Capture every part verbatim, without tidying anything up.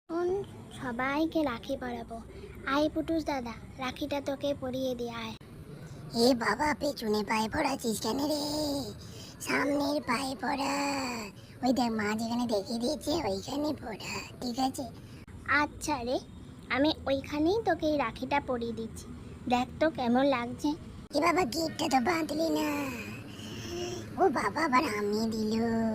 এখন সবাইকে রাখি পরাবো। আয় পুটুস দাদা, রাখিটা তোকে পরিয়ে দিয়ে আয়। এ বাবা, পেছনে পায়ে পড়াচ্ছিস কেন রে? সামনের পায়ে পড়া। ওই দেখ, মা যেখানে দেখিয়ে দিয়েছে ওইখানে পড়া, ঠিক আছে? আচ্ছা রে, আমি ওইখানেই তোকে এই রাখিটা পরিয়ে দিচ্ছি। দেখ তো কেমন লাগছে। এ বাবা, গিফটটা তো বাঁধলি না। ও বাবা, আবার আমি দিল।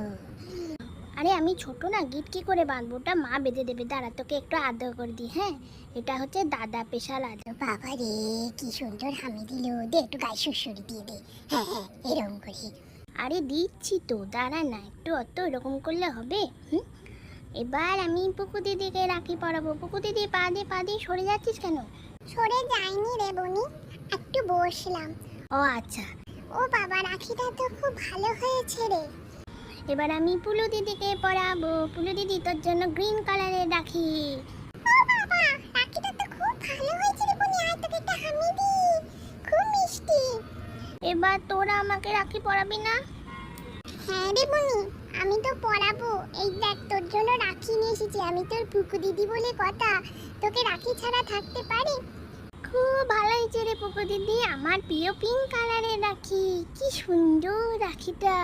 আরে আমি ছোট না, গিট কি করে বাঁধবো? ওটা মা বেঁধে দেবে। দাঁড়া, তোকে একটু আদর করে দিই। হ্যাঁ, এটা হচ্ছে দাদা স্পেশাল আদর। বাবা রে, কি সুন্দর হামি দিল। দে একটু গায়ে সুরসুরি দিয়ে দে। হ্যাঁ হ্যাঁ, এরকম করি। আরে দিচ্ছি তো, দাঁড়া না একটু। অত এরকম করলে হবে? হুম, এবার আমি পুকু দিদিকে রাখি পরাবো। পুকু দিদি, পা দিয়ে পা দিয়ে সরে যাচ্ছিস কেন? সরে যাইনি রে বনি, একটু বসলাম। ও আচ্ছা। ও বাবা, রাখিটা তো খুব ভালো হয়েছে রে। এবার আমি পুলু দিদিকে পরাবো। পুলু দিদি, তোর জন্য গ্রিন কালারের রাখি। ও বাবা, রাখিটা তো খুব ভালো হয়েছে রে বনি। আয় তোকে একটা হামি দি, খুব মিষ্টি। এবার তোরা আমাকে রাখি পরাবি না? হ্যাঁ রে বনি, আমি তো পরাবো। এই দেখ, তোর জন্য রাখি নিয়ে এসেছি। আমি তোর পুকু দিদি বলে কথা, তোকে রাখি ছাড়া থাকতে পারি? খুব ভালো হয়েছে রে পুকু দিদি, আমার প্রিয় পিঙ্ক কালারের রাখি। কি সুন্দর রাখিটা,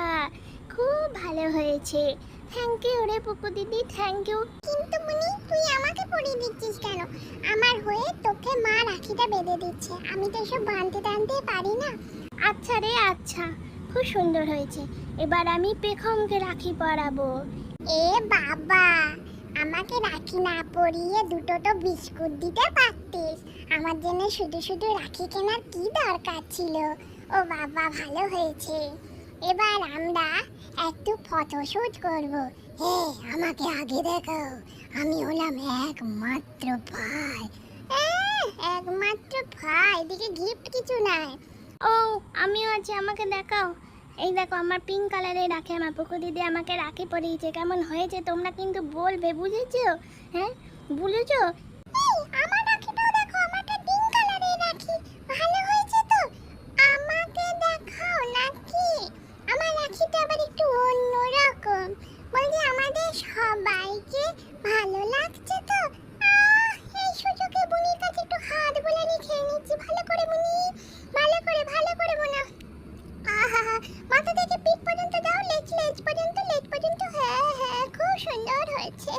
খুব ভালো হয়েছে। থ্যাংক ইউ রে পুকু দিদি, থ্যাংক ইউ। কিন্তু বনি, তুই আমাকে পরিয়ে দিচ্ছিস কেন? আমার হয়ে তোকে মা রাখিটা বেঁধে দিচ্ছে। আমি তো এসব বাঁধতে টানতে পারি না। আচ্ছা রে আচ্ছা, খুব সুন্দর হয়েছে। এবার আমি পেখমকে রাখি পরাবো। এ বাবা, আমাকে রাখি না পরিয়ে দুটো তো বিস্কুট দিতে পারতিস। আমার জন্য শুধু শুধু রাখি কেনার কি দরকার ছিল? ও বাবা, ভালো হয়েছে। এবার আমরা একটু ফটোশুট করব। হে, আমাকে আগে দেখাও। আমি হলাম একমাত্র ভাই। আহ, একমাত্র ভাই, এদিকে গিফট কিছু নাই। ও, আমিও আছি, আমাকে দেখাও। এই দেখো আমার পিঙ্ক কালারের রাখি, আমার পুকু দিদি আমাকে রাখি পরিয়েছে। কেমন হয়েছে তোমরা কিন্তু বলবে, বুঝেছো? হ্যাঁ, বুঝেছো? এই, আমার রাখিটাও দেখো, আমারটা পিঙ্ক কালারের রাখি। ভালো হয়েছে তো? আমাকে দেখাও নাকি? আমার রাখিটা আবার একটু অন্যরকম। বলছি, আমাদের সবাইকে ভালো লাগছে তো? আহ, এই সুযোগে বুনির কাছে একটু হাত বোলানি খেয়ে নিচ্ছি। ভালো করে বুনি, ভালো করে, ভালো করে বোনা। আহা, মাথা থেকে পিঠ পর্যন্ত দাও, লেজ লেজ পর্যন্ত, লেজ পর্যন্ত। হ্যাঁ হ্যাঁ, খুব সুন্দর হয়েছে।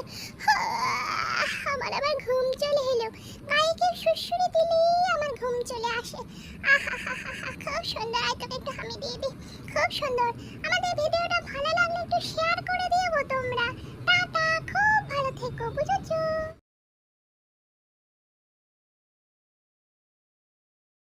আহ, আমার আবার ঘুম চলে এলো। গায়ে কেউ সুরসুরি দিলেই আমার ঘুম চলে আসে। আহা, খুব সুন্দর। আয় তোকে একটু হামি দিয়ে দিই। খুব সুন্দর। আমাদের ভিডিওটা ভালো লাগলে একটু শেয়ার করে দিও গো তোমরা। টাটা, খুব ভালো থেকো, বুঝেছো?